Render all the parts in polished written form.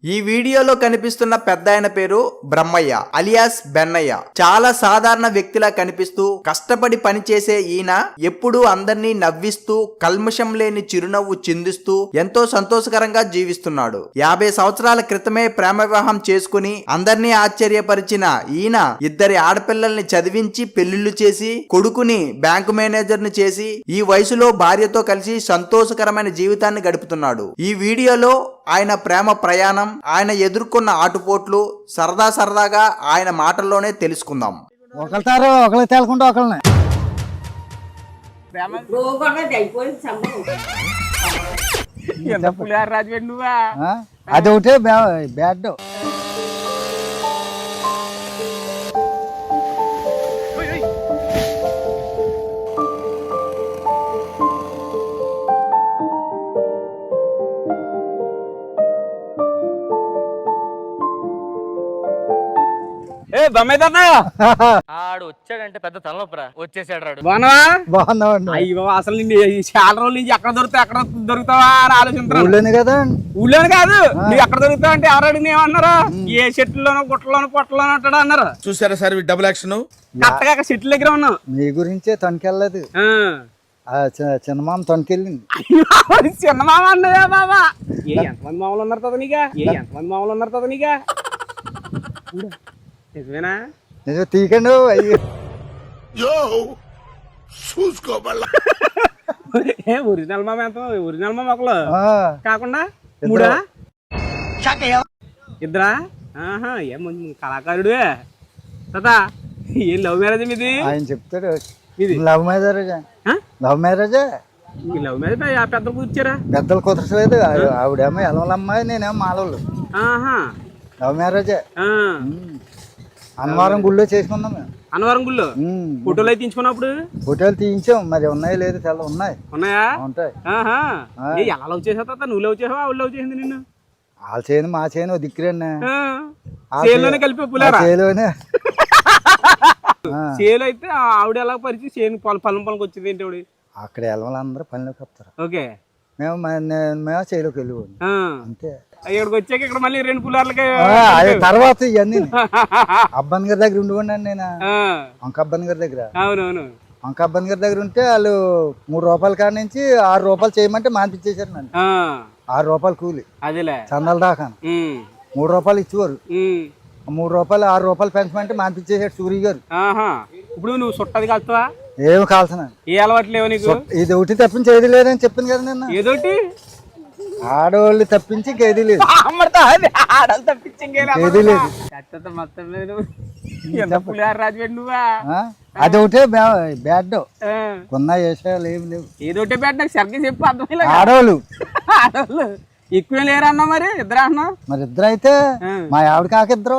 ఈ వీడియోలో కనిపిస్తున్న పెద్దాయన పేరు బ్రహ్మయ్య అలియాస్ బెన్నయ్య. చాలా సాధారణ వ్యక్తిలా కనిపిస్తూ కష్టపడి పనిచేసే ఈయన ఎప్పుడూ అందరినీ నవ్విస్తూ కల్మషం లేని చిరునవ్వు చిందిస్తూ ఎంతో సంతోషకరంగా జీవిస్తున్నాడు. 50 సంవత్సరాల క్రితమే ప్రేమ వివాహం చేసుకుని అందరినీ ఆశ్చర్యపరిచిన ఈయన 2 ఆడపిల్లల్ని చదివించి పెళ్లిళ్లు చేసి కొడుకుని బ్యాంకు మేనేజర్ ని చేసి ఈ వయసులో భార్యతో కలిసి సంతోషకరమైన జీవితాన్ని గడుపుతున్నాడు. ఈ వీడియోలో ఆయన ప్రేమ ప్రయాణం, ఆయన ఎదుర్కొన్న ఆటుపోట్లు సరదాగా ఆయన మాటల్లోనే తెలుసుకుందాం. ఒకళ్ళతారు ఒకళ్ళు తేలకుండా ఒకళ్ళని అది ఒకటే బ్యాడ్. ఆడు వచ్చాడంటే పెద్ద తలనొప్పరా. వచ్చేసాడు రాడు. బాగున్నావండి. అయ్యో అసలు చాలా రోజుల నుంచి ఎక్కడ దొరుకుతావా అని ఆలోచిస్తున్నాను. ఊళ్ళోనే కదా, ఊళ్ళోనే కాదు, నువ్వు ఎక్కడ దొరుకుతావు అంటే ఎవరు అడిగిన ఏమన్నారు? ఏ చెట్లలోనో గుట్టలోనో పొట్టలోనో ఉంటాడు అన్నారు. చూసారా సార్ డబుల్ యాక్షన్. కరెక్ట్గా చెట్ల దగ్గర ఉన్నావు. మీ గురించే తొనకెళ్ళలేదు, చిన్నమామ తొనకెళ్ళింది. చిన్నమామ అన్నదా బాబా? ఎంతమంది మామూలు ఉన్నారు కదా నీగా? నిజమేనా? నిజం తీకండి. ఒరిజినల్ మామ ఎంత? ఒరిజినల్ మామ ఒకళ్ళు కాకుండా మూడా? ఇద్దరా? ఏం కళాకారుడు తాత. ఏం లవ్ మ్యారేజ్ మీది? ఆయన చెప్తాడు లవ్ మ్యారేజా. లవ్ మ్యారేజా. లవ్ మ్యారేజ్ పెద్దలు కూర్చారా? పెద్దలు కుదరసలేదు. ఆవిడేమో ఎలవలమ్మాయి, నేనేమో మాలవులు. లవ్ మ్యారేజే. అన్నవరం గుళ్ళో చేసుకున్నాం మేము. అన్నవరం గుళ్ళో ఫోటోలు అయితే తీయించుకున్నప్పుడు? ఫోటోలు తీయించాం, మరి ఉన్నాయి లేదు చాలా ఉన్నాయి. ఉన్నాయా? ఉంటాయి. ఎలా లవ్ చేసావు తాత? నువ్వు లవ్ చేసావా ఆవిడ లవ్ చేసింది నిన్ను? వాళ్ళ చేయను మా చేయను దిక్కురండి. చేలోనే కలిపి పులారా? చేలోనే. చేలో అయితే ఆవిడ ఎలా పరిచి చేను పొలంకి వచ్చింది ఏంటి ఆవిడ? అక్కడ వెళ్ళవాళ్ళందరూ పనిలోకి వస్తారు. ఓకే. మేము చేలోకి వెళ్ళిపోండి అంతే. ఇక్కడికి వచ్చాక ఇక్కడ మళ్ళీ 2 పులార్లకి తర్వాత ఇవన్నీ అబ్బాన్ గారి దగ్గర ఉండిపోండి నేను. వంక అబ్బాన్ గారి దగ్గర. అవునవును. వంక అబ్బాన్ గారి దగ్గర ఉంటే వాళ్ళు 3 రూపాయల కాడ నుంచి 6 రూపాయలు చేయమంటే మానిపించేశారు నన్ను. 6 రూపాయలు కూలి అదేలే చందాల దాకా. 3 రూపాయలు ఇచ్చేవారు. 3 రూపాయలు 6 రూపాయలు పెంచమంటే మానిపించేశాడు సూరి గారు. ఇప్పుడు నువ్వు సుట్టది కలుతావా? ఏమి కాల్సిన ఏ అలవాటు లేవు నీకు? ఇది ఒకటి తప్పించి ఏది లేదని చెప్పింది కదా నిన్న. ఏదోటి ఆడవాళ్ళు తప్పించి ఏది లేదు. ఏది లేదు. అది ఒకటే బ్యాడ్. కొన్న విషయాలు ఏమి లేవు. ఏదోటే బ్యాడ్. నాకు సరిగ్గా చెప్పు అర్థం. ఆడవాళ్ళు ఎక్కువ లేరు అన్నా. మరి ఇద్దరు అన్నా? మరి ఇద్దరు అయితే మా ఆవిడ కాకిద్దరు.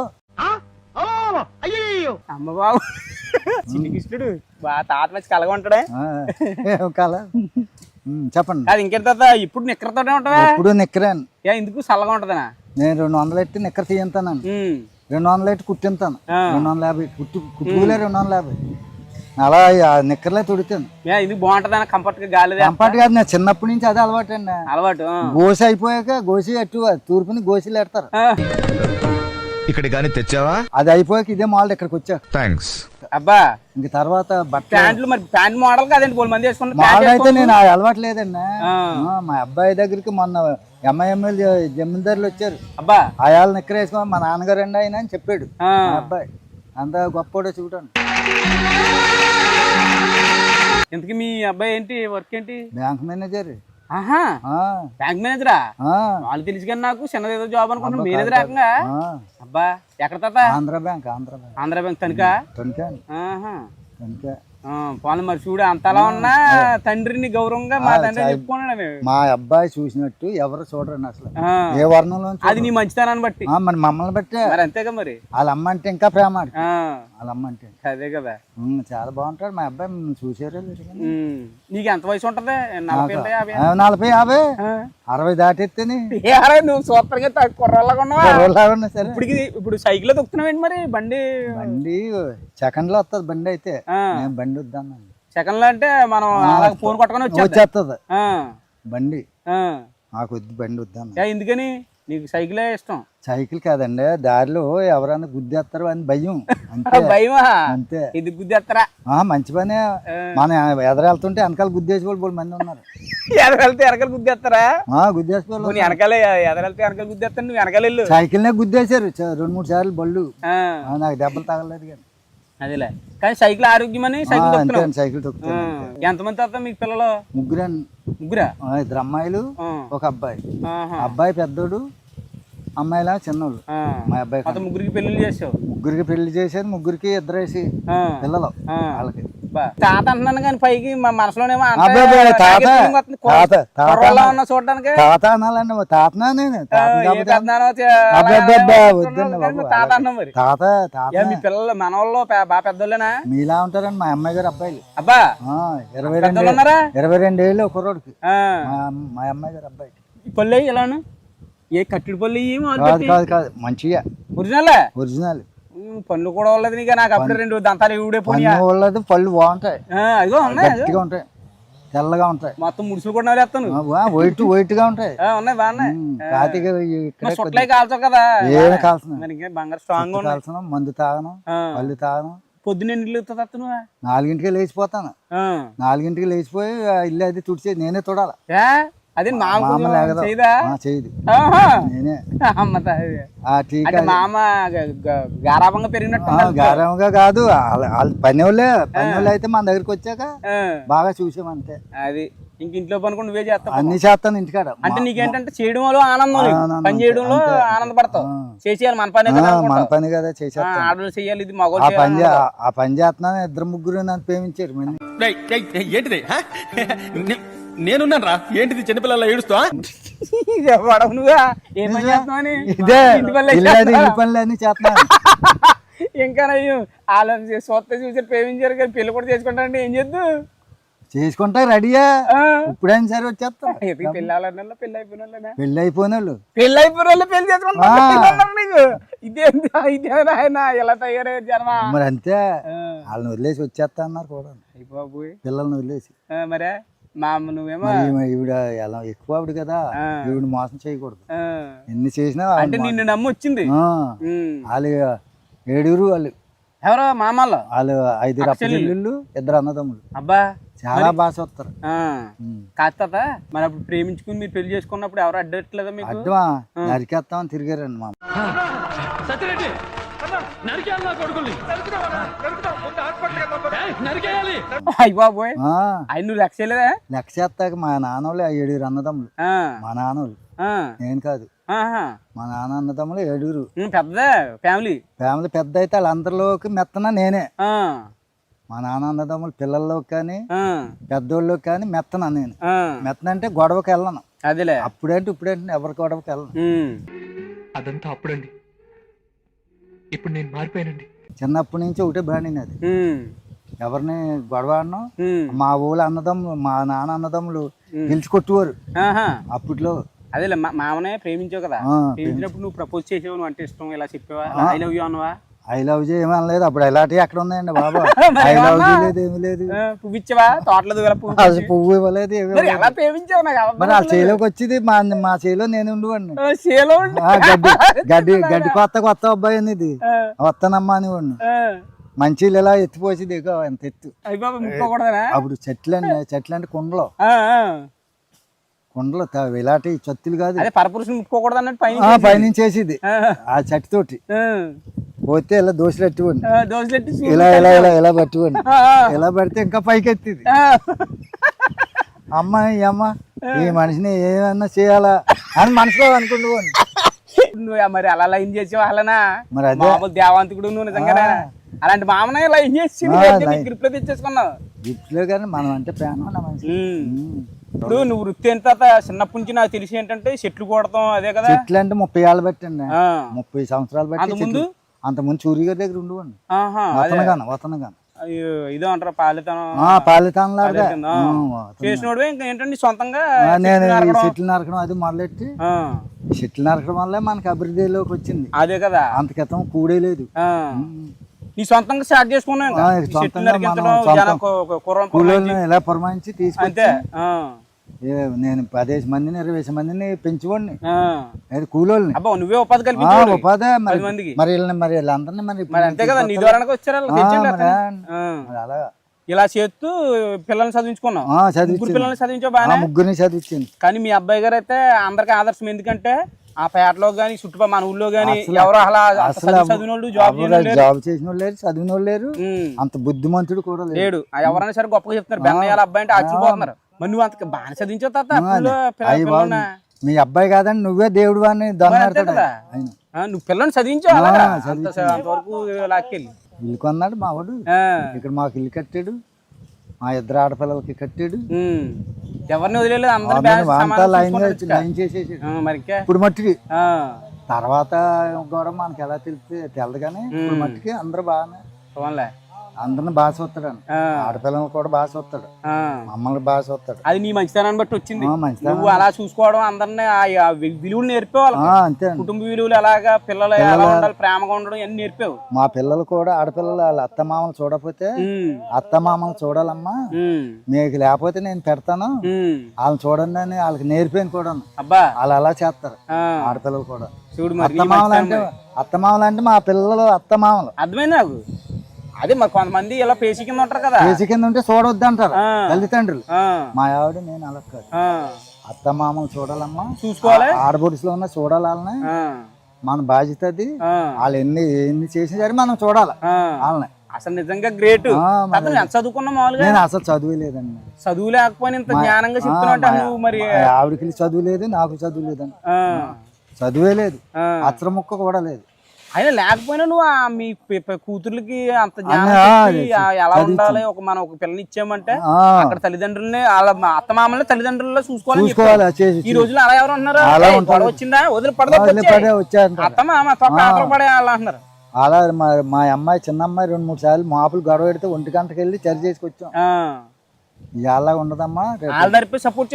అమ్మ బాబు చిన్ని కృష్ణుడు బాగా తాత వచ్చి కలగా ఉంటాడే. కల చెప్పండి. అది ఇంకేంటి తాత? ఇప్పుడు నిక్కరతోనే ఉంటావా? ఇప్పుడు నిక్కరాను. ఎందుకు చల్లగా ఉంటదనా? నేను 200 ఎట్టి నిక్కర తీయంతాను. 200 ఎట్టి కుట్టింతాను. 250 కుట్టుకులే 250 అలా నిక్కర్లే తొడుతాను. ఇది బాగుంటది కంఫర్ట్ గా. గాలి కంఫర్ట్ కాదు, నేను చిన్నప్పటి నుంచి అదే అలవాటు అండి. అలవాటు. గోసి అయిపోయాక గోసి అట్టు తూర్పుని గోసిలు ఎడతారు. ఇక్కడ గానీ తెచ్చావా? అది అయిపోయాక ఇదే మోడల్ ఇక్కడికి వచ్చా. థ్యాంక్స్. అబ్బా ఇంక తర్వాత ప్యాంట్లు మరి ప్యాంట్ మోడల్ కాదండి పోల్ మంది వేసుకున్న మోడల్ అయితే నేను అలవాటు లేదండి. మా అబ్బాయి దగ్గరికి మొన్న ఎంఐఎంఎల్ జమీందారులు వచ్చారు. అబ్బా ఆయాలు నిక్కర వేసుకో మా నాన్నగారు అండి ఆయన అని చెప్పాడు. మా అబ్బాయి అంత గొప్ప చూడండి. ఇంతకీ మీ అబ్బాయి ఏంటి వర్క్ ఏంటి? Bank manager. బ్యాంక్ మేనేజరా? వాళ్ళు తెలుసు కానీ నాకు చిన్నదేదో జాబ్ అనుకుంటున్నా. మేనేజర్ ఏకంగా? అబ్బా ఎక్కడ తాత? ఆంధ్ర బ్యాంక్. ఆంధ్ర బ్యాంక్ తనిఖా? పోనీ మరి చూడు అంతలా ఉన్నా తండ్రిని గౌరవంగా మా తండ్రి చెప్పుకున్నాడు. మా అబ్బాయి చూసినట్టు ఎవరు చూడరండి అసలు ఏ వర్ణంలో. అది నీ మంచితనాన్ని బట్టి. మరి మమ్మల్ని బట్టి. మరి అంతేగా మరి. వాళ్ళ అమ్మ అంటే ఇంకా ప్రేమ. వాళ్ళ అమ్మ అంటే అదే కదా. చాలా బాగుంటాడు మా అబ్బాయి. చూసారు. నీకు ఎంత వయసు ఉంటది? 40 50 60 దాటెత్తేని. నువ్వు సూపర్గా కుర్రలాగా ఉన్నావా? సరే ఇప్పుడు సైకిల్ లో తొక్కుతున్నావేంటి మరి? బండి సెకండ్ లో వస్తుంది బండి. అయితే బండి వద్దాను. సెకండ్ లో అంటే మనం ఫోన్ కొట్టుకొని వచ్చేస్తుంది బండి. నాకు వద్దు బండి వద్దాను. ఎందుకని? నీకు సైకిలే ఇష్టం. సైకిల్ కాదండి, దారిలో ఎవరైనా గుద్దేస్తారు అని భయం అంతే. భయమా? అంతే. ఇది గుద్దేస్తారా? మంచి పనే. మన ఎదర వెళ్తుంటే వెనకాల గుద్దేసి వాళ్ళు మంది ఉన్నారు. ఎదరెళ్తే వెనకాల గుద్దేస్తారా? గుద్దేసి వాళ్ళు వెనకాలే ఎదరెళ్తే వెనకాల గుద్దేస్తాను, నువ్వు వెనకాల వెళ్ళు. సైకిల్ నే గుద్దేశారు 2-3 సార్లు బళ్ళు. నాకు దెబ్బలు తగలేదు కానీ. అదేలే, కానీ సైకిల్ ఆరోగ్యమని సైకిల్ అంతే తొక్కుతున్నావు. అండి, సైకిల్ తొక్కుతాను. ఎంతమంది తాత మీకు పిల్లలు? ముగ్గురా? 2 అమ్మాయిలు, ఒక అబ్బాయి. అబ్బాయి పెద్దోడు, అమ్మాయిలా చిన్నోళ్ళు. మా అబ్బాయి మొత్తం ముగ్గురికి పెళ్లి చేసావు? ముగ్గురికి పెళ్లి చేశారు, ముగ్గురికి 2 పిల్లలు వాళ్ళకి. తాత అంటున్నాను కానీ పైకి మా మనసులోనేమో చూడడానికి తాత అనాలండి. తాతనా నేను తాత అన్నాం. మరి తాత మీ పిల్లలు మనవాళ్ళు బాగా పెద్దోళ్ళేనా? మీలా ఉంటారండి మా అమ్మాయి గారు అబ్బాయిలు. అబ్బా 22 ఏళ్ళు కుర్రోడికి. మా అమ్మాయి గారు అబ్బాయికి. పళ్ళు ఇలాను ఏ కట్టిడి పళ్ళు కాదు మంచిగా ఒరిజినల్. పళ్ళు కూడా వాళ్ళది నీకు. నాకు అప్పుడు 2 దంతాలు ఊడే పోయి పళ్ళు బాగుంటాయి, అదిగో ఉన్నాయి, గట్టిగా ఉంటాయి, తెల్లగా ఉంటాయి. మొత్తం ముడుసులు కూడా వేస్తాను. వైట్ గా ఉంటాయి. ఉన్నాయి బాగున్నాయి. కాతిగా కాల్చవు కదా? ఏమైనా కాల్సిన బంగారు స్ట్రాంగ్ కాల్సిన, మందు తాగను, పళ్ళు తాగను. పొద్దున్న ఇల్లు నువ్వు 4ంటికి లేచిపోతాను. 4ంటికి లేచిపోయి ఇల్లు అది తుడిచేది నేనే తొడాలి. అదే చేయదు నేనే. మామ గారాభంగా పెరిగినట్టు. గారంగా కాదు, పని వాళ్ళే అయితే మన దగ్గరికి వచ్చాక బాగా చూసామంతే. అది ఇంక ఇంట్లో పని కూడా నువ్వే చేస్తావు? అన్ని చేస్తాను ఇంటికాడ. అంటే నీకేంటంటే చేయడం వల్ల ఆనందం, పని చేయడంలో ఆనందపడతావు. చేసేయాలి, మన పని మన పని కదా చేసేస్తాను. ఆడలు చేయాలి, ఇది ఆ పని చేస్తున్నాను. 2-3 నన్ను ప్రేమించారు. ఏంటిది నేనున్నాను రా, ఏంటిది చిన్నపిల్లల ఏడుస్తా? నువ్వా ఏం పని చేస్తున్నావు? ఇదే పనులు అన్ని చేస్తున్నాను. ఇంకా వాళ్ళని స్వత్త చూసి ప్రేమించారు కానీ పెళ్లి కూడా చేసుకుంటానంటే ఏం చేద్దు? చేసుకుంటా రెడీయా, ఇప్పుడైనా సరే వచ్చేస్తా. పెళ్లి అయిపోయిన పెళ్లి అయిపోయిన వాళ్ళు పెళ్లి అయిపోయిన వాళ్ళు పెళ్లి చేసుకుంటా. ఇదేనా ఆయన ఎలా తయారయ్యారు జన్మ? మరి అంతే, వాళ్ళని వదిలేసి వచ్చేస్తా అన్నారు కూడా పిల్లల్ని వదిలేసి. మరే నువ్వేమో ఈవిడ ఎలా ఎక్కువ ఆవిడ కదా, ఈవిడ మోసం చేయకూడదు. ఎన్ని చేసినా అంటే నిన్ను నమ్మి వచ్చింది. వాళ్ళు 7 వాళ్ళు. ఎవరో మామల్లో? వాళ్ళు 5 అప్పచెల్లెళ్ళు, 2 అన్నదమ్ములు. అబ్బా చాలా బాగా చూస్తారు. కాస్త మరి అప్పుడు ప్రేమించుకుని మీరు పెళ్లి చేసుకున్నప్పుడు ఎవరు అడ్డట్లేదా మీకు? అడ్డమా నరికేస్తామని తిరిగారండి మా. అయ్యబాబోయ్, ఆయన నువ్వు లెక్క చేయలేదా? లెక్క చేస్తాక మా నాన్న వాళ్ళు 7 అన్నదమ్ములు. మా నాన్న వాళ్ళు, నేను కాదు. మా నాన్న అన్నదమ్ములు 7. పెద్ద ఫ్యామిలీ పెద్ద అయితే వాళ్ళందరిలోకి మెత్తన నేనే. మా నాన్న అన్నదమ్ములు పిల్లల్లోకి కానీ పెద్దోళ్ళకి కానీ మెత్తన నేను. మెత్తన అంటే గొడవకి వెళ్ళను. అదేలే, అప్పుడేంటి ఇప్పుడేంటి ఎవరి గొడవకి వెళ్ళను. అదంతా అప్పుడండి, ఇప్పుడు నేను మారిపోయానండి. చిన్నప్పటి నుంచి ఒకటే బాణింది అది. ఎవరిని గొడవ ఆడను. మా ఊళ్ళో అన్నదమ్ములు, మా నాన్న అన్నదమ్ములు గెలిచి కొట్టువారు అప్పట్లో. అదేలే, మామనే ప్రేమించావు కదా, ప్రేమించినప్పుడు నువ్వు ప్రపోజ్ చేసావు, నువ్వు అంటే ఇష్టం ఇలా చెప్పావా? ఐ లవ్ యూ అన్నవా? ఐ లవ్ యూ ఏమనలేదు. అప్పుడు ఎలాంటివి ఎక్కడ ఉన్నాయండి బాబా? ఐ లవ్ యూ లేదు, ఏమి లేదు. పువ్వు ఇచ్చావా? తోటలేదు పువ్వు ఇవ్వలేదు. ఎలా ప్రేమించావు? మరి ఆ చేలోకి వచ్చింది మా చేలో నేను ఉండేవాడిని. గడ్డి కొత్త అబ్బాయి అనేది వస్తానమ్మా అని వాడిని. మంచిలు ఇలా ఎత్తిపోసి దిగ ఎంత ఎత్తు. అప్పుడు చెట్లు అంటే కుండలో ఇలాంటి చత్తులు కాదు, ముట్టుకోకూడదు అన్నట్టు పైనుంచి వేసేది ఆ చెట్టు తోటి. పోతే ఇలా దోశలు ఎట్టుకోండి, ఇలా ఇలా ఇలా ఇలా పట్టుకోండి. ఇలా పడితే ఇంకా పైకి ఎత్తిది. అమ్మ ఈ మనిషిని ఏమన్నా చేయాలా అని మనసులో అనుకుంటుకోండి. మరి అలా లైన్ చేసావు అలానా? మరి అదే దేవాంతకుడు నువ్వు నిజంగా అలాంటి మామనే లైన్ చేసి గ్రిప్ లో తెచ్చేసుకున్నావు. గ్రిప్ లో కానీ మనం అంటే ప్రేమ. ఇప్పుడు నువ్వు వృత్తి ఎంత చిన్నప్పటి నుంచి నాకు తెలిసి ఏంటంటే చెట్లు కొడతాం అదే కదా? చెట్లు అంటే 30 ఏళ్ళు బట్టండి, 30 సంవత్సరాలు బట్టి. అంతకుముందు చూరి గారి దగ్గర ఉండేవాడిని. వతనగాను ఇదో అంటారా పాలితనం? పాలితనం చేసినోడు ఇంకా ఏంటంటే సొంతంగా నేను చెట్లు నరకడం అది మొదలెట్టి, చెట్లు నరకడం వల్లే మనకి అభివృద్ధిలోకి వచ్చింది. అదే కదా, అంత క్రితం కూడే లేదు. నీ సొంతంగా స్టార్ట్ చేసుకున్నావు, ఇలా పురమాయించి తీసుకుంటే నేను 10 మందిని 20 మందిని పెంచుకోండి ఆ. అది కూలోళ్ళని అబ్బా నువ్వే ఉపాధి కల్పించావు ఉపాధి మరి 10 మందికి. మరి వీళ్ళందరినీ మరి మరి అంతే కదా నీ ద్వారానికి వచ్చారు వాళ్ళు, తెచ్చిండు మరి అతను. ఆ. మరి అలా ఇలా చేస్తూ పిల్లల్ని చదివించుకున్నావు, ముగ్గురు పిల్లల్ని చదివించావు బాగా. ముగ్గురిని చదివించింది. కానీ మీ అబ్బాయి గారు అయితే అందరికి ఆదర్శం. ఎందుకంటే ఆ పేటలో గానీ చుట్టుపక్కల మన ఊళ్ళో గానీ ఎవరు అలా చదివిన వాళ్ళు జాబ్ చేసిన వాళ్ళు లేరు, చదివిన వాళ్ళు లేరు, అంత బుద్ధిమంతుడు కూడా లేడు. ఎవరైనా సరే గొప్పగా చెప్తున్నారు, బెన్నయ్యాల అబ్బాయి అంటే ఆశ్చర్యపోతున్నారు. మరి నువ్వు అంత బాగా చదివించావు తాత పిల్లల్ని. మీ అబ్బాయి కాదని నువ్వే దేవుడు అని దొంగ కదా నువ్వు పిల్లల్ని చదివించావు అలాగా? అంతవరకు లాక్కెళ్ళి ఇల్లు కొన్నాడు మా వాడు, ఇక్కడ మాకు ఇల్లు కట్టాడు, మా ఇద్దరు ఆడపిల్లలకి కట్టాడు, ఎవరిని వదిలేదు, లైన్ చేసేసాడు. మరి ఇప్పుడు మట్టికి తర్వాత కూడా మనకి ఎలా తెలదు కానీ ఇప్పుడు మట్టికి అందరూ బాగానే అందరిని బాగా చూస్తాడు. ఆడపిల్లలు కూడా బాగా చూస్తాడు, మమ్మల్ని బాగా చూస్తాడు. అది నీ మంచితనాన్ని బట్టి వచ్చింది. నువ్వు అలా చూసుకోవడం, అందరినీ విలువలు నేర్పేవాళ్ళు, అంతే కుటుంబ విలువలు ఎలాగా, పిల్లలు ఎలా ఉండాలి, ప్రేమగా ఉండడం అన్ని నేర్పేవు. మా పిల్లలు కూడా ఆడపిల్లలు వాళ్ళ అత్తమామలు చూడకపోతే అత్తమామలు చూడాలమ్మా, మీకు లేకపోతే నేను పెడతాను వాళ్ళని చూడండి అని వాళ్ళకి నేర్పాను కూడా. అబ్బా వాళ్ళు అలా చేస్తారు ఆడపిల్లలు కూడా. చూడు అత్తమామలు అంటే మా పిల్లలు అత్తమామలు. అర్థమైంది నాకు. అదే మరి కొంతమంది ఇలా పేసి కింద ఉంటారు కదా, పేసి కింద ఉంటే చూడవద్దు అంటారు తల్లిదండ్రులు. మా ఆవిడ నేను అలా కాదు, అత్తమామలు చూడాలమ్మా, చూసుకోవాలి, ఆడబొడుసులో ఉన్న చూడాలి వాళ్ళని, మన బాధ్యత అది. వాళ్ళు ఎన్ని చేసినా సరే మనం చూడాలి వాళ్ళని. అసలు నిజంగా గ్రేట్. ఎంత చదువుకున్నా మామూలుగా? నేను అసలు చదువు లేదండి. చదువు లేకపోయినా ఇంత జ్ఞానంగా చెప్తున్నా మరి? ఆవిడకి చదువు లేదు, నాకు చదువు లేదండి, చదువే లేదు, అక్షర ముక్క కూడా లేదు. అయినా లేకపోయినా నువ్వు మీ కూతుర్లకి అంత జ్ఞానం ఎలా ఉండాలి, మనం ఒక పిల్లని ఇచ్చామంటే అక్కడ తల్లిదండ్రులని వాళ్ళ అత్తమామల్ని తల్లిదండ్రుల్లో చూసుకోవాలి. ఈ రోజుల్లో అలా ఎవరు అంటున్నారు, వచ్చిందా వదిలి అత్తమామ పడే వాళ్ళు అంటున్నారు. అలా మా అమ్మాయి చిన్న అమ్మాయి 2-3 సార్లు మాపులు గొడవ పెడితే 1 గంటకి వెళ్ళి చర్చ చేసుకొచ్చాం. ఇలా ఉండదమ్మా, సపోర్ట్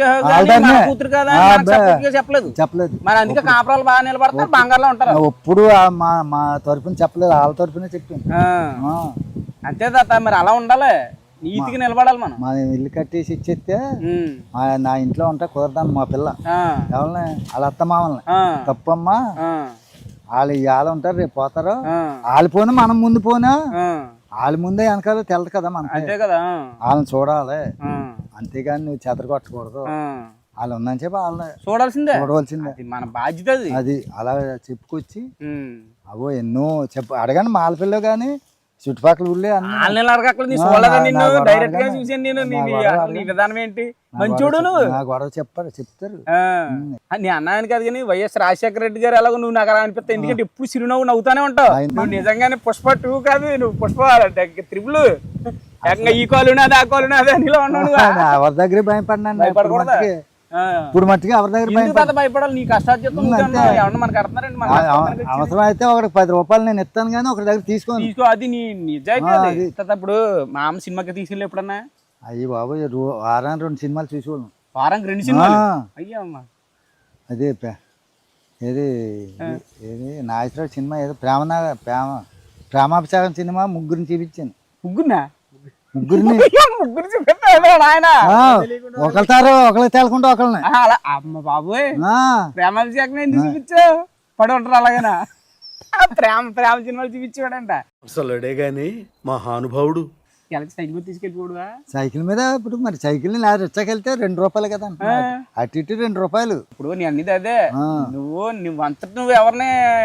చెప్పలేదు. మరి అందుకే కాపురాలు బాగా నిలబడతారు, బంగారులో ఉంటారు. ఎప్పుడు మా తరపున చెప్పలేదు, వాళ్ళ తరపునే చెప్పింది. అంతే తాత, మరి అలా ఉండాలి, నీతిగా నిలబడాలి. మనం ఇల్లు కట్టేసి ఇచ్చేస్తే నా ఇంట్లో ఉంటా కుదరదాను మా పిల్ల ఎవరిని వాళ్ళ అత్తమామల్ని. తప్పమ్మా, వాళ్ళు ఇవాళ ఉంటారు రేపు పోతారు, వాళ్ళు పోను మనం ముందు పోనా, వాళ్ళ ముందే వెనకాల తెలదు కదా మనకి. అంతే కదా, వాళ్ళని చూడాలి, అంతేగాని నువ్వు చెదరగొట్టకూడదు. వాళ్ళు ఉందని చెప్పి వాళ్ళని చూడవలసిందే, మన బాధ్యత అది. అలా చెప్పుకొచ్చి అవో ఎన్నో అడగండి మా ఆడపిల్ల గాని చుట్టుపక్కల ఊళ్ళే డైరెక్ట్ గా చూసాను నేను. నీ విధానం ఏంటి, మంచోడు నువ్వు. గొడవ చెప్తారు నీ అన్నాయని కాదు కానీ వైఎస్ రాజశేఖర రెడ్డి గారు ఎలాగో నువ్వు నాకు అలా అనిపిస్తావు. ఎందుకంటే ఎప్పుడు చిరునవ్వు నవ్వుతానే ఉంటావు. నువ్వు నిజంగానే పుష్ప 2 కాదు, నువ్వు పుష్ప 3 ఈ కాలు నాది ఆ కాలు నాది అని ఉన్నావు. ఎవరి దగ్గర భయపడినా ఇప్పుడు మట్టికి ఎవరి దగ్గర భయపడాలి, నీ కష్టార్జితం మనకు అర్థనారండి. అవసరం అయితే ఒకటి 10 రూపాయలు నేను ఇస్తాను కానీ ఒకటి దగ్గర తీసుకో. అది నీ నిజాయితీ. ఇప్పుడు మా అమ్మ సినిమాకి తీసుకెళ్ళి ఎప్పుడన్నా? అయ్యి బాబు, వారానికి 2 సినిమాలు చూసేవాళ్ళం. వారానికి 2 సినిమాలు? అయ్యమ్మా, అదే ఏది నాగేశ్వరరావు సినిమా ఏదో ప్రేమాభిషేకం సినిమా ముగ్గురిని చూపించాను. ముగ్గురిని ఆయన ఒకళ్ళు తేలకుండా ఒకళ్ళని. అమ్మ బాబోయ్, ప్రేమాభిషేకం ఎందుకు చూపించావు? పడి ఉంటారు అలాగేనా? ప్రేమ సినిమాలు చూపించాడంట అసలుడే గాని మహానుభావుడు. సైకిల్ మీద తీసుకెళ్ళిపోడువా? సైకిల్ మీద ఇప్పుడు మరి సైకిల్ రిచ్చాకెళ్తే 2 రూపాయలు కదా, అటు ఇటు 2 రూపాయలు. ఇప్పుడు నీ అన్నిది అదే, నువ్వు అంతటి నువ్వు ఎవరిని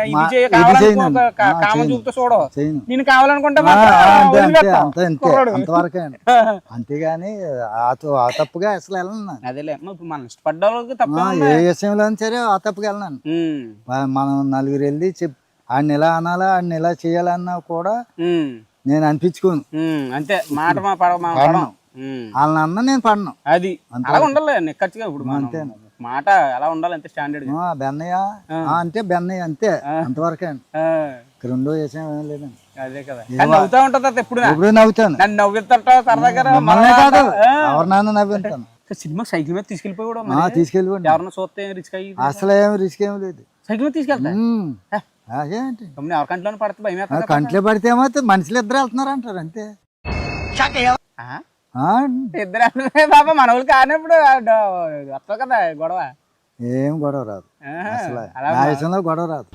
కామం చూపుతూ చూడవు. నేను కావాలనుకుంటా అంతవరకే, అంతేగాని ఆ తప్పుగా అసలు వెళ్ళను. అదేలే, ఇప్పుడు మనం ఇష్టపడ్డ వాళ్ళకి తప్ప ఏ విషయంలో సరే ఆ తప్పుగా వెళ్ళను. మనం నలుగురు వెళ్ళి ఆడిని ఎలా అనాలా, ఆడిని ఎలా చేయాలన్నా కూడా నేను అనిపించుకోను. అంతే, మాట వాళ్ళని అన్న నేను పడను. అది అలా ఉండాలి నిక్కచ్చిగా. ఇప్పుడు అంతే, మాట ఎలా ఉండాలి, అంతే స్టాండర్డ్. బెన్నయ్య అంటే బెన్నయ్య అంతే, అంతవరకే. రెండో విషయం ఏం లేదండి. అదే కదా, నవ్వుతా ఉంటుంది ఎప్పుడు నవ్వుతాను. నన్ను నవ్వుతుంటా సరదాగా, కాదు ఎవరు నాన్న నవ్వుతాను. సినిమా సైకిల్ మీద తీసుకెళ్ళిపోయి తీసుకెళ్ళిపోండి. ఎవరన్నా చూస్తే రిస్క్ అయ్యి అసలు ఏమి రిస్క్ ఏమి లేదు. సైకిల్ మీద తీసుకెళ్తా ఎవరి కంట్లోనే పడితే భయం. కంట్లో పడితే ఏమవుతుంది, మనుషులు ఇద్దరు వెళ్తున్నారు అంటారు అంతే. ఆ, ఇద్దరు బాబా మన వాళ్ళు కానప్పుడు వస్తావు కదా గొడవ. ఏం గొడవ రాదు ఆహా, అసలు అలా నా విషయంలో గొడవ రాదు.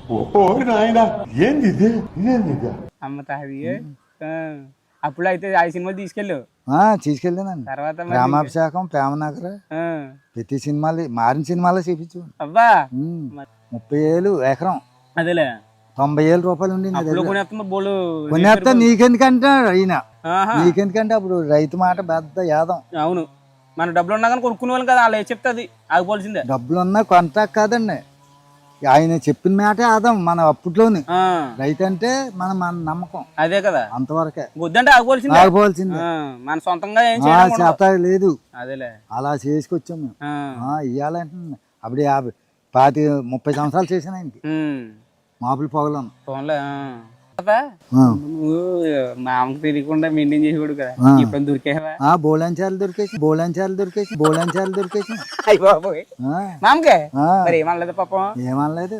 అమ్మ తాది. అప్పుడు అయితే ఆ సినిమాలు తీసుకెళ్ళావు తీసుకెళ్ళానండి. తర్వాత మరి ప్రేమాభిషేకం, ప్రేమనగర్, ఆ, ప్రతి సినిమాలు మారిన సినిమాలో చూపించు. అబ్బా 30,000 ఎకరం, అదేలే 90,000 రూపాయలు ఉండి నా అప్పుడు దగ్గర. కొనేస్తున్నా బోలు. కొనేస్తా నీకెందుకంటే ఈయన ఆహా, నీకెందుకంటే అప్పుడు రైతు మాట పెద్ద యాదం. అవును, మన డబ్బులు ఉన్నా కానీ కొనుక్కునే వాళ్ళం కదా, వాళ్ళు చెప్తే అది ఆగిపోవాల్సిందే. డబ్బులున్నా కొంత కాదండి, ఆయన చెప్పిన మాటే ఆదాం మన అప్పట్లోని. ఆ, రైతు అంటే మన నమ్మకం అదే కదా, అంతవరకే, వద్దంటే ఆగిపోవాల్సిందే. ఆగిపోవాల్సింది. ఆ, మన సొంతంగా ఏం చేయడం ఉండదు. చేత లేదు, అదేలే. అలా చేసుకొచ్చాం మేము. ఆ, ఇయ్యాలంటే అప్పుడు 30 సంవత్సరాలు చేశాను ఆయనకి మాపులు పొగలను. ఫోన్లో నువ్వు మా అమ్మకి తెలియకుండా మెయింటైన్ చేసేవాడు కదా, ఇప్పుడు దొరికేవా? బోళంచాలు దొరికేసి అయ్య బాబోయ్, ఆ, మామకే ఆ, మరి ఏమనలేదు పాపం. ఏమనలేదు.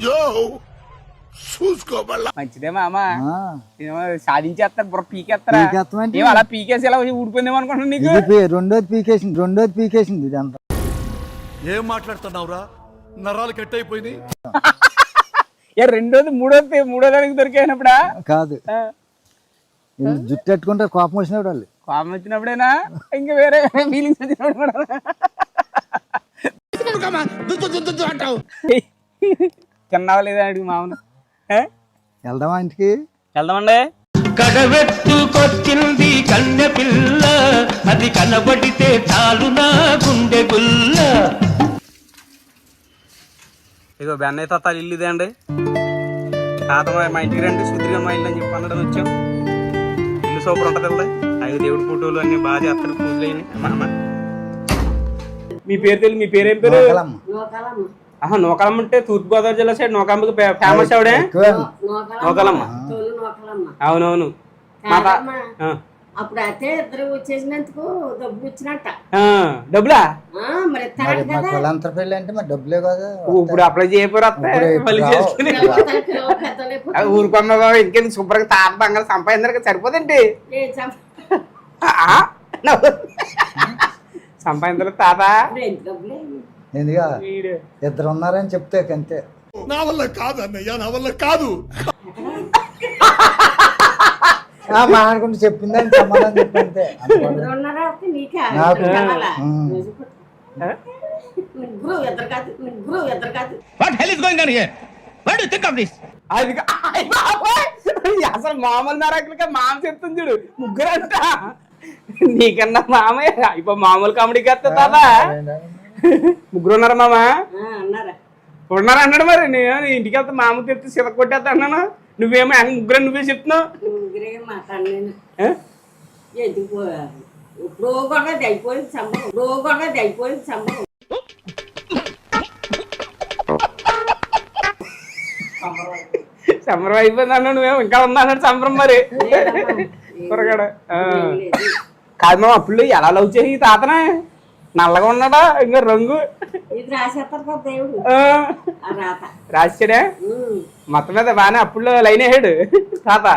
మంచిదే మామ, ఆ, ఏమో సాధించేస్తారు బుర్ర పీకేస్తారా? పీకేస్తామంటే ఏం అలా పీకేసి ఇలా ఊడిపోయిందేమో అనుకుంటున్నా నీకు. ఇది రెండోది పీకేసింది ఇదంతా. ఏం మాట్లాడుతున్నావురా? నరాలు కట్ అయిపోయినాయి. ఏ రెండోది మూడో దానికి దొరికినప్పుడా? కాదు, వీళ్ళు జుట్టు పెట్టుకుంటే కోపం వచ్చినప్పుడు వాళ్ళు. కోపం వచ్చినప్పుడేనా ఇంకా వేరే ఫీలింగ్స్ వచ్చినప్పుడు కూడా? తిన్నావా లేదా అడిగి మామను. వెళ్దామా ఇంటికి? వెళ్దామండి. కడవెత్తుకొచ్చింది కన్నె పిల్ల, అది కనబడితే చాలు నా గుండె గుల్ల. ఇగో బెన్నయ్య తాత ఇల్లు ఇదే అండి. తాత మా ఇంటికి రండి, సుధీర్గా మా ఇల్లు అని చెప్పి అన్నడం వచ్చాం. ఇల్లు సూపర్ ఉంటుంది కదా, ఐదు దేవుడి ఫోటోలు అన్ని బాగా చేస్తారు, పూజలు అయినాయి. మా అమ్మ మీ పేరు తెలియదు, మీ పేరు ఏం పేరు? నూకలమ్మ. ఆహా, నూకలమ్మ అంటే తూర్పుగోదావరి జిల్లా సైడ్ నూకమ్మకి ఫేమస్ ఆవిడే. నూకలమ్మ, అవునవును. మా అప్పుడు అయితే ఇద్దరు వచ్చేసినందుకు డబ్బులు వచ్చినట్ట. డబ్బులా? మరి మరి మా కులాంతర పెళ్ళి అంటే మరి డబ్బులే కదా. ఇప్పుడు అప్లై చేయకపోతే మళ్ళీ చేసుకుని ఊరుకున్న బాబు. ఇంకేంది శుభ్రంగా తాత బంగారు సంపాదించడానికి సరిపోదండి. సంపాదించలేదు తాత. ఎందుగా ఇద్దరు ఉన్నారని చెప్తే అంతే. నా వల్ల కాదు అన్నయ్య, నా వల్ల కాదు. మా అనుకుంటే చెప్పిందని సమాధానం చెప్పంతే. అసలు మామూలు నరకులుగా మామ చెప్తుంది చూడు, ముగ్గురు అంట. నీకన్నా మామయ్య ఇప్పుడు మామూలు కామెడీకి వస్తా తాత. ముగ్గురు ఉన్నారా మామ? ఉన్నారా అన్నాడు. మరి నేను ఇంటికి వెళ్తా మామూలు చెప్తే సిత కొట్టేస్తా అన్నాను. నువ్వేమో ముగ్గురు నువ్వే చెప్తున్నావు. సంబరం అయిపోయింది అన్నాడు, నువ్వేమో ఇంకా ఉందా అన్నాడు సంబరం. మరి కూరగాడ కాదు మా అప్పుడు ఎలా లవ్ చేసి తాతనే నల్లగా ఉన్నాడా ఇంకా రంగు రాశాడే మొత్తం మీద బాగానే అప్పుడు లైన్ వేసాడు తాత.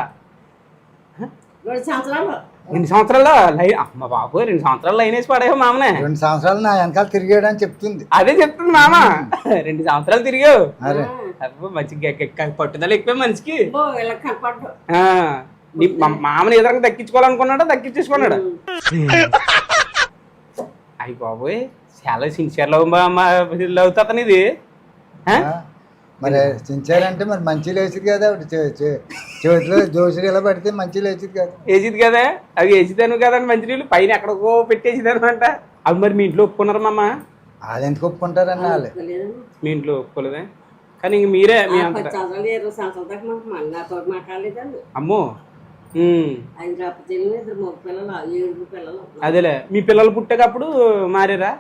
2 సంవత్సరాలు. 2 సంవత్సరాల్లో లైన్? అమ్మ బాబు, 2 సంవత్సరాలు లైన్ వేసి పడేవా మామనే? 2 సంవత్సరాలు నా వెనకాల తిరిగాడు అని చెప్తుంది. అదే చెప్తుంది మామ. 2 సంవత్సరాలు తిరిగావు. మంచి పట్టుదల ఎక్కువ మనిషికి. మామని ఎదురంగా దక్కించుకోవాలనుకున్నాడా, దక్కించేసుకున్నాడా? అయ్యి బాబోయ్, చాలా సిన్సియర్ లవ్ లవ్ తాతని ఇది. మరి సిన్సియర్ అంటే మరి మంచి లేచిది కదా, చేతిలో జోసులు ఇలా పడితే మంచి లేచిది కదా. వేసిది కదా, అవి వేసిదాను కదండి మంచినీళ్ళు పైన ఎక్కడికో పెట్టేసిదాను అంట. అవి మరి మీ ఇంట్లో ఒప్పుకున్నారా మామ? వాళ్ళు ఎందుకు ఒప్పుకుంటారన్న వాళ్ళు. మీ ఇంట్లో ఒప్పుకోలేదే, కానీ ఇంక మీరే మీ అంత. అమ్మో, అదేలే. మీ పిల్లలు పుట్టేటప్పుడు మారారా?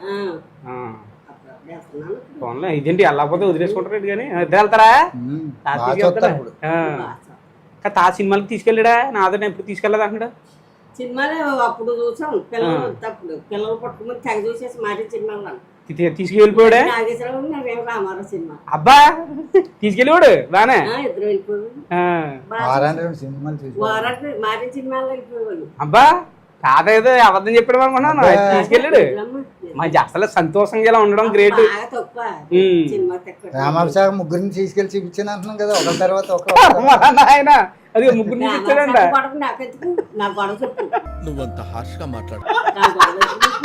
పోన్లే, ఇదేంటి వెళ్ళకపోతే వదిలేసుకుంటారు కానీ ఇద్దరు వెళ్తారా? తా సినిమాలకు తీసుకెళ్ళాడా? నాతో ఎప్పుడు తీసుకెళ్ళదు అంటాడు. సినిమాలు అప్పుడు చూసాం, పిల్లలు పట్టుకుని తెగ చూసేసి మాట సినిమాలు తీసుకెళ్ళిపోయాడా? రామారావు సినిమా. అబ్బా, తీసుకెళ్ళివాడు బానే. ఇద్దరు వెళ్ళిపోయాడు. సినిమాలు మారిన సినిమాలు వెళ్ళిపోయేవాళ్ళు. అబ్బా, తాత ఏదో అబద్ధం చెప్పాడు అనుకున్నాను తీసుకెళ్ళాడు మంచి అసలు సంతోషంగా ఇలా ఉండడం గ్రేట్. బాగా తక్కువ సినిమా తక్కువ రామాభిషేకం ముగ్గురిని తీసుకెళ్ళి చూపించాను అంటున్నాం కదా, ఒకరి తర్వాత ఆయన అది ముగ్గురు తీసుకొచ్చాడంట. నాకెందుకు నా గొడవ చెప్పు నువ్వంత హార్ష్ గా మాట్లాడు. నా గొడవ చెప్పు.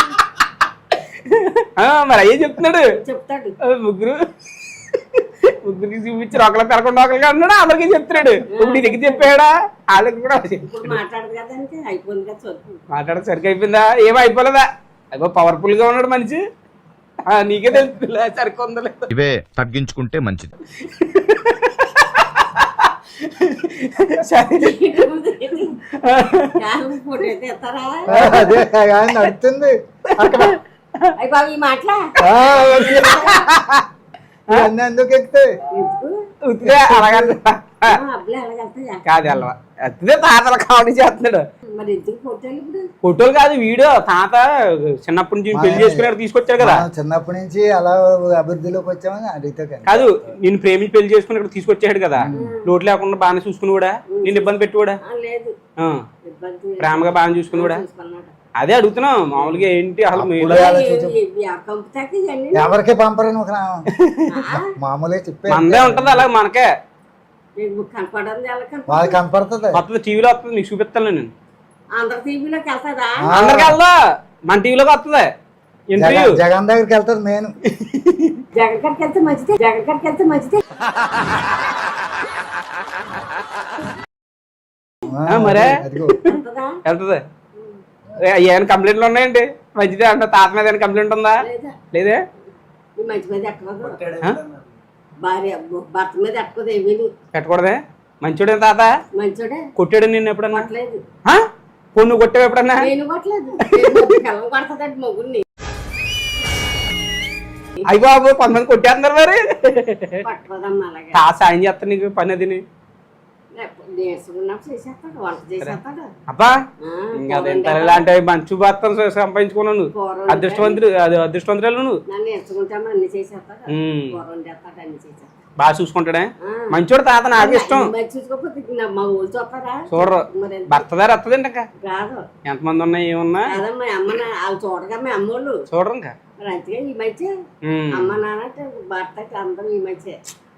మరి అయ్యే చెప్తున్నాడు చెప్తాడు ముగ్గురికి చూపించి ఒకళ్ళ పెరగకుండా ఒకరిగా అన్నాడు, అందరికీ చెప్తున్నాడు. ఇప్పుడు నీ దగ్గర చెప్పాడా వాళ్ళకి కూడా ఇప్పుడు మాట్లాడదు కదా అంటే అయిపోయింది కదా చదువు. మాట్లాడక సరిగ్గా అయిపోయిందా? ఏమో అయిపోలేదా? అయ్యో పవర్ఫుల్ గా ఉన్నాడు మనిషి, నీకే తెలుస్తుందిలే సరిగ్గా ఉందో లేదు. ఇవే తగ్గించుకుంటే మంచిది. ఫోటో అయితే ఎత్తారా అదే నడుతుంది అక్కడ. అయ్యి బాబు ఈ మాటలా అన్నీ ఎందుకు ఎక్కుతాయి? అబ్బలే ఎలాగెళ్తాయా కాదు అల్వా అదే తాతలు కామెడీ చేస్తున్నాడు. మరి ఎందుకు ఫోటోలు ఇప్పుడు ఫోటోలు కాదు వీడియో. తాత చిన్నప్పటి నుంచి పెళ్లి చేసుకుని తీసుకొచ్చారు కదా, మనం చిన్నప్పటి నుంచి అలా అభివృద్ధిలోకి వచ్చామని అడిగితే కాదు నిన్ను ప్రేమించి పెళ్లి చేసుకుని ఇక్కడ తీసుకొచ్చాడు కదా, లోటు లేకుండా బాగానే చూసుకుని కూడా, నిన్ను ఇబ్బంది పెట్టి కూడా లేదు ఇబ్బంది ప్రేమగా బాగా చూసుకుని కూడా. చూసుకున్నాడు. అదే అడుగుతున్నాం మామూలుగా ఏంటి అసలు కంపుతాకి ఇవన్నీ ఎవరికి పంపరని ఒక మామూలుగా చెప్పే మనదే ఉంటది అలా మనకే. కనపడదు ఎలా కనపడదు వాళ్ళకి కనపడుతుంది. వస్తుంది టీవీలో వస్తుంది, నీకు చూపిస్తాను నేను. అందరు టీవీలోకి వెళ్తాదా అందరికి వెళ్దా మన టీవీలోకి వస్తుంది ఇంటర్వ్యూ. జగన్ దగ్గరికి వెళ్తారు నేను. జగన్ గారికి వెళ్తే మంచిదే, జగన్ గారికి వెళ్తే మంచిదే. మరే అదిగో వెళ్తుందా వెళ్తుంది. ఏమైనా కంప్లైంట్లు ఉన్నాయండి? మంచిదే అంటే తాత మీద ఏమైనా కంప్లైంట్ ఉందా? లేదా లేదే. ఈ మంచి మీద ఎక్కదు భార్య భర్త మీద ఎక్కదు ఏమీ పెట్టకూడదే. మంచోడే తాత. మంచోడే కొట్టాడు నిన్ను ఎప్పుడన్నా? కొట్టలేదు పొన్ను కొట్టావు ఎప్పుడన్నా? నేను కొట్టలేదు కళ్ళం కొడతాదండి మొగ్గుని అయ్యి బాబు కొంతమంది కొట్టేస్తున్నారు మరి. పట్టుకోదమ్మా అలాగే తాత సాయం చేస్తాను నీకు పని అది. నేర్చుకున్నప్పుడు చేసేస్తాడు వంట చేసేస్తాడు. అబ్బా ఇంకా ఇలాంటి మంచి భర్తను సంపాదించుకున్నాను. అదృష్టవంతుడు అది అదృష్టవంతురాలు నువ్వు. నన్ను నేర్చుకుంటాము అన్ని చేసేస్తాడు కూర చేస్తాడు అన్ని చేసేస్తాడు. బాగా చూసుకుంటాడే మంచోడు తాత. నాకు ఇష్టం. మరి చూసుకోకపోతే మా ఊళ్ళు చూస్తారా చూడరు. మరి భర్త దారి వస్తుందండి ఇంకా రాదు ఎంతమంది ఉన్నా ఏమన్నా కాదమ్మా అమ్మ వాళ్ళు చూడగా మా అమ్మోళ్ళు చూడరు ఇంకా. మరి అంతగా ఈ మధ్య అమ్మ నాన్న భర్తకి అందరూ ఈ మధ్య.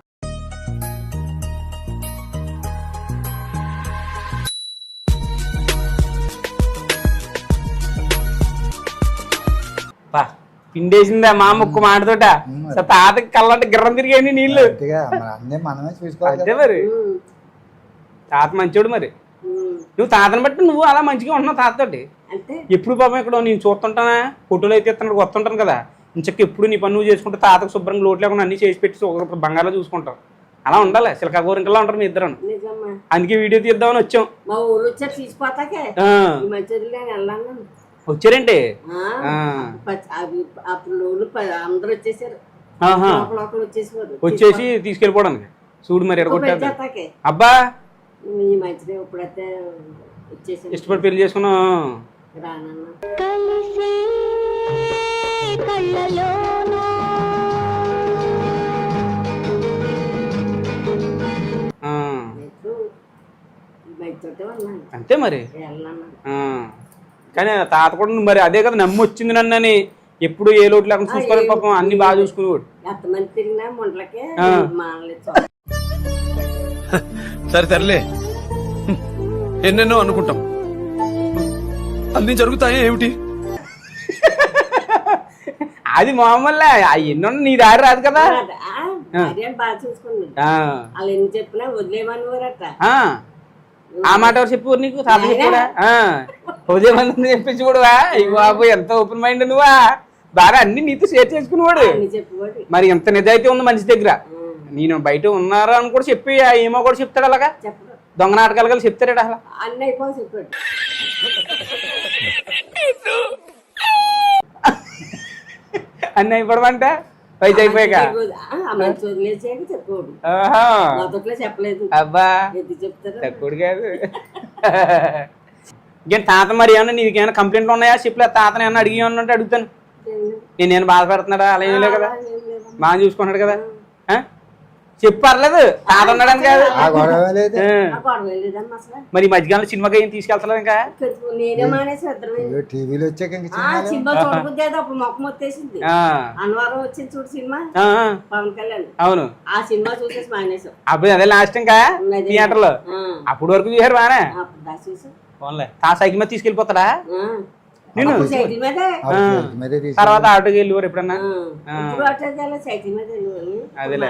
పిండేసిందా మా ముక్కు మాటతోట. తాతకి కళ్ళంటే గిర్రం తిరిగాయండి నీళ్ళు. అన్నీ మనమే చూసుకోవాలి. అంతే మరి తాత మంచోడు. మరి నువ్వు తాతను బట్టి నువ్వు అలా మంచిగా ఉంటున్నావు తాతతోటి. అంతే ఎప్పుడు పాపం ఇక్కడ నేను చూస్తుంటానా, ఫోటోలు అయితే ఇస్తున్నాడు వస్తుంటాను కదా, ఇంచక్క ఎప్పుడు నీ పని నువ్వు చేసుకుంటే తాతకు శుభ్రంగా లోటు లేకుండా అన్ని చేసి పెట్టి బంగాళలో చూసుకుంటావు. అలా ఉండాలి. సిలకా గోరింకల్లా ఉంటారు మీ ఇద్దరు. నిజమ్మా అందుకే వీడియో తీద్దామని వచ్చాం. మా ఊరు వచ్చారు తీసిపోతాకే ఈ మధ్య నేను వెళ్ళాను. వచ్చారేంటి? అప్పుడు అందరూ వచ్చేసారు వచ్చేసారు వచ్చేసి తీసుకెళ్ళిపోవడానికి. చూడు మరి ఎడగొట్టాకే. అబ్బా ఈ మధ్యనే ఇప్పుడైతే వచ్చేసారు. ఇష్టపడి పెళ్లి చేసుకున్నావు. రానన్నా అంతే మరి. కానీ తాత కూడా మరి అదే కదా నమ్మి వచ్చింది నన్ను అని. ఎప్పుడు ఏ లోటు లేకుండా చూసుకోవాలి పాపం. అన్ని బాగా చూసుకునేవాడు. ఎంతమంది తిరిగినా ముండ్లకే మానలేదు. సరే సర్లే ఎన్నెన్నో అనుకుంటాం, అన్ని జరుగుతాయి ఏమిటి? అది మామూలే. ఎన్నో నీ దారి రాదు కదా. బాగా చూసుకున్నాడు. వాళ్ళు ఎన్ని చెప్పినా వదిలేమనివారట. ఆ మాట ఎవరు చెప్పు నీకు? తాత చెప్పాడా? ఉదయమంది చెప్పించి కూడా బాబు ఎంత ఓపెన్ మైండ్ నువ్వా. బాగా అన్ని నీతో షేర్ చేసుకునేవాడు. మరి ఎంత నిజాయితీ ఉంది మనిషి దగ్గర. నేను బయట ఉన్నారా అని కూడా చెప్పి ఏమో కూడా చెప్తాడు. అలాగా దొంగ నాటకాలు కలిసి చెప్తాడు అసలు. అన్నీ అయిపో చెప్పాడు. అన్ని అయిపోవడమంట వయసు అయిపోయాక. చెప్పలేదు. అబ్బా తక్కువ కాదు. ఇంకేం తాత మరి ఏమన్నా నీకేమైనా కంప్లైంట్లు ఉన్నాయా? చెప్పలే తాతని ఏమన్నా అడిగి ఉన్నట్టు అడుగుతాను. నేను బాధపడుతున్నాడా? అలా ఏం లేదు కదా, బాగా చూసుకున్నాడు కదా. చెప్పు పర్లేదు తాత ఉన్నాడని కాదు. ఆ గొడవ లేదు. ఆ గొడవ లేదమ్మా అసలు. మరి ఈ మధ్యకాలంలో సినిమాకి ఏం తీసుకెళ్తలేదు ఇంకా? నేనే మానేసి ఇద్దరు టీవీలో వచ్చాక ఇంక సినిమా చూడబుద్ది అయితే అప్పుడు మొక్క మొత్తేసింది. అన్నవరం వచ్చింది చూడు సినిమా, పవన్ కళ్యాణ్. అవును, ఆ సినిమా చూసేసి మానేసాం. అప్పుడు అదే లాస్ట్ ఇంకా థియేటర్ లో. అప్పుడు వరకు చూసారు బానే. అప్పుడు దాకా చూసాం. పోన్లే, ఆ సైకిల్ మీద తీసుకెళ్ళిపోతాడా నేను? సైకిల్ మీదే తర్వాత ఆటోకి వెళ్ళివారు ఎప్పుడన్నా? ఇప్పుడు ఆటోకి సైకిల్ మీద అదేలే.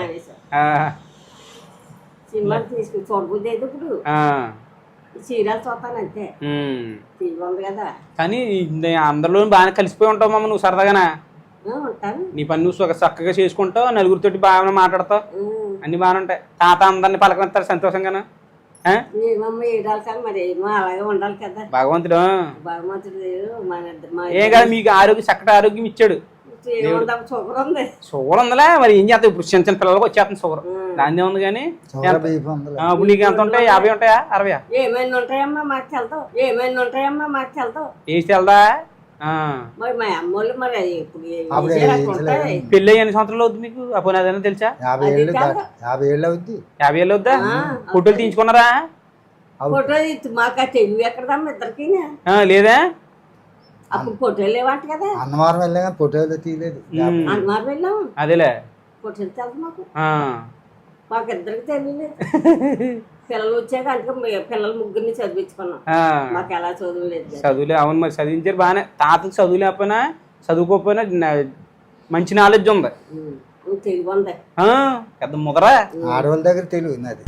సినిమా తీసుకుని చూడబుద్ది అయితే ఇప్పుడు సీరియల్ చూస్తాను అంతే. టీవీ ఉంది కదా. కానీ అందరిలో బాగానే కలిసిపోయి ఉంటావు మమ్మ నువ్వు సరదాగానా? ఉంటాను. నీ పని నువ్వు చక్కగా చేసుకుంటావు, నలుగురితోటి బాగా మాట్లాడతావు, అన్ని బాగానే ఉంటాయి. తాత అందరిని పలకరిస్తారు సంతోషంగానా? ఏమమ్మ ఏడాలి కానీ మరి ఏమో అలాగే ఉండాలి కదా. భగవంతుడు భగవంతుడు ఏం కదా మీకు ఆరోగ్యం, చక్కటి ఆరోగ్యం ఇచ్చాడు. షుగర్ ఉంది. షుగర్ ఉందిలే, మరి ఏం చేస్తావు? ఇప్పుడు చిన్న చిన్న పిల్లలకు వచ్చేస్తుంది షుగర్, దాన్ని ఉంది. కానీ ఇప్పుడు నీకు ఎంత ఉంటాయి? 50 ఉంటాయా 60? ఏమైనా ఉంటాయమ్మా మాకు వెళ్తావు. ఏమైనా ఉంటాయమ్మా మాకు వెళ్తావు. వేసి వెళ్దా? మరి మా అమ్మోళ్ళు మరి ఇప్పుడు పెళ్ళి ఎన్ని సంవత్సరాలు అవుతుంది మీకు? అప్పుడు అదైనా తెలుసా? 50 ఏళ్ళు అవుద్ది. 50 ఏళ్ళు అవుద్దా? ఫోటోలు తీయించుకున్నారా? ఫోటో మాకు తెలివి ఎక్కడదమ్మా ఇద్దరికి. లేదా? అప్పుడు ఫోటోలు లేవంట కదా. అన్నవరం వెళ్ళా కానీ ఫోటోలు తీయలేదు. అన్నవరం వెళ్ళాము. అదేలే, ఫోటోలు తెలుసు మాకు ఇద్దరికి తెలియలేదు. పిల్లలు వచ్చాక అంటే పిల్లలు ముగ్గురిని చదివించుకున్నాం. మాకు ఎలా చదువు లేదు. చదువులే. అవును, మరి చదివించారు బాగానే. తాతకు చదువు లేకపోయినా చదువుకోకపోయినా మంచి నాలెడ్జ్ ఉంది, తెలివి ఉంది. పెద్ద ముదరా. ఆడవాళ్ళ దగ్గర తెలివి నాది.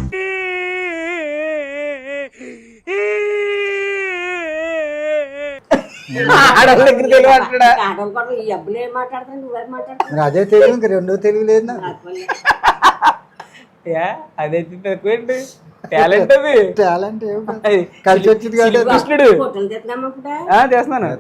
ఆడవాళ్ళ దగ్గర తెలివి అంటాడా? ఆడవాళ్ళు కూడా ఈ అబ్బులు ఏం మాట్లాడతాను, నువ్వేం మాట్లాడతావు? మరి అదే తెలివి, ఇంక రెండో తెలివి లేదు నాకు. అదే తక్కువేంటి టాలెంట్, అది టాలెంట్ కలిసి వచ్చింది కదా. కృష్ణుడు ఫోటోలు తెస్తున్నామా ఇప్పుడు? చేస్తున్నాను.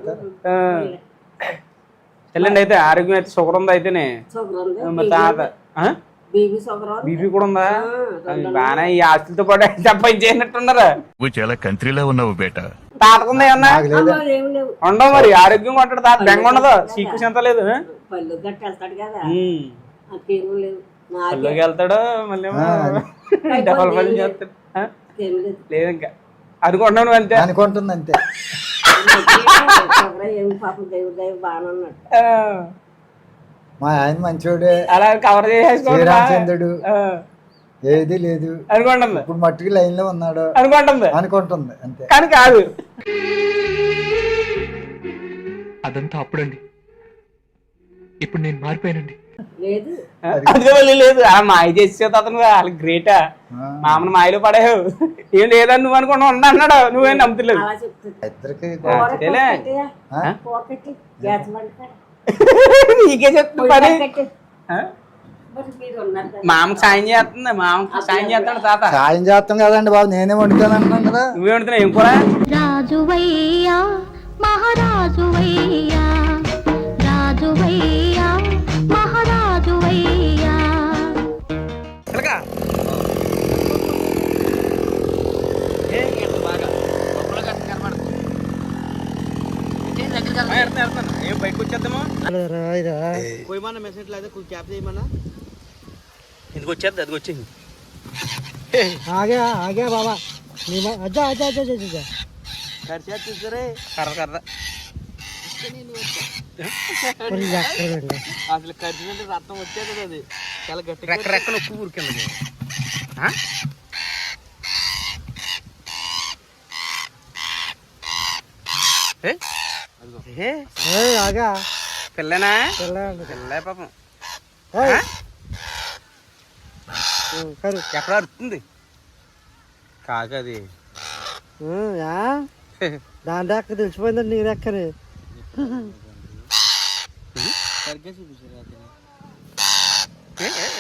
చెల్లండి అయితే ఆరోగ్యం అయితే షుగర్ ఉంది అయితేనే. షుగర్ ఉంది. మరి తాత బీపీ షుగర్ బీపీ కూడా ఉందా? బాగా ఈ ఆస్తులతో పాటు సంపాదించేసినట్టున్నారా? నువ్వు చాలా కంట్రీలో ఉన్నావు బేట. తాతకుందా ఏమన్నా? ఏమి లేవు. ఉండవు మరి, ఆరోగ్యంగా ఉంటాడు తాత. బెంగ ఉండదు, సీకు ఎంత లేదు. పళ్ళు గట్టి వెళ్తాడు కదా, అకేమీ లేవు. పళ్ళుకి వెళ్తాడు, మళ్ళీ డబల్ పని చేస్తాడు. లేదు ఇంకా అనుకుంటున్నావు నువ్వు అంతే. అనుకుంటుంది అంతే. ఏమి పాపం దేవుడు దేవుడు బాగానే ఉన్నాడు. మా ఆయన మంచోడే, అలా కవర్ చేసేసుకోండి. శ్రీరామచంద్రుడు ఏది లేదు అనుకుంటుంది. ఇప్పుడు మట్టుకు లైన్ లో ఉన్నాడు అనుకుంటుంది అంతే. కానీ కాదు, అదంతా అప్పుడండి. ఇప్పుడు నేను మారిపోయానండి. లేదు అది లేదు. అలా మాయ చేసే అతను వాళ్ళకి గ్రేటా. మామను మాయలో పడేవు. ఏం లేదని నువ్వు అనుకున్నావు అన్నాడు, నువ్వేం నమ్ముతలేదు. అలా చెప్తుంది. ఇద్దరికి నీకే చెప్తు పని. మామకు సాయం చేస్తుంది, మామకు సాయం చేస్తాడు తాత. సాయం చేస్తాం కదండి బాబు, నేనే వండుతాను అంటున్నాను కదా. నువ్వే వండుతున్నావు ఏం కూర? రాజువయ్యా మహారాజువయ్యా, రాజువయ్యా మహారాజువయ్యా. బయటకు వచ్చేద్దాము. ఎందుకు వచ్చేద్ది? అది వచ్చింది. బాబా కర్ర కర్ర అసలు కరిచినట్టు రక్తం వచ్చేది. అది చాలా గట్టి రెక్క రెక్క నొక్కు ఊరికింది. పిల్లనా? పిల్ల పాపం ఎక్కడ అరుతుంది కాకది. దాని రెక్క తెలిసిపోయిందండి, నీ రెక్కని. సరిగ్గా చూపించారు.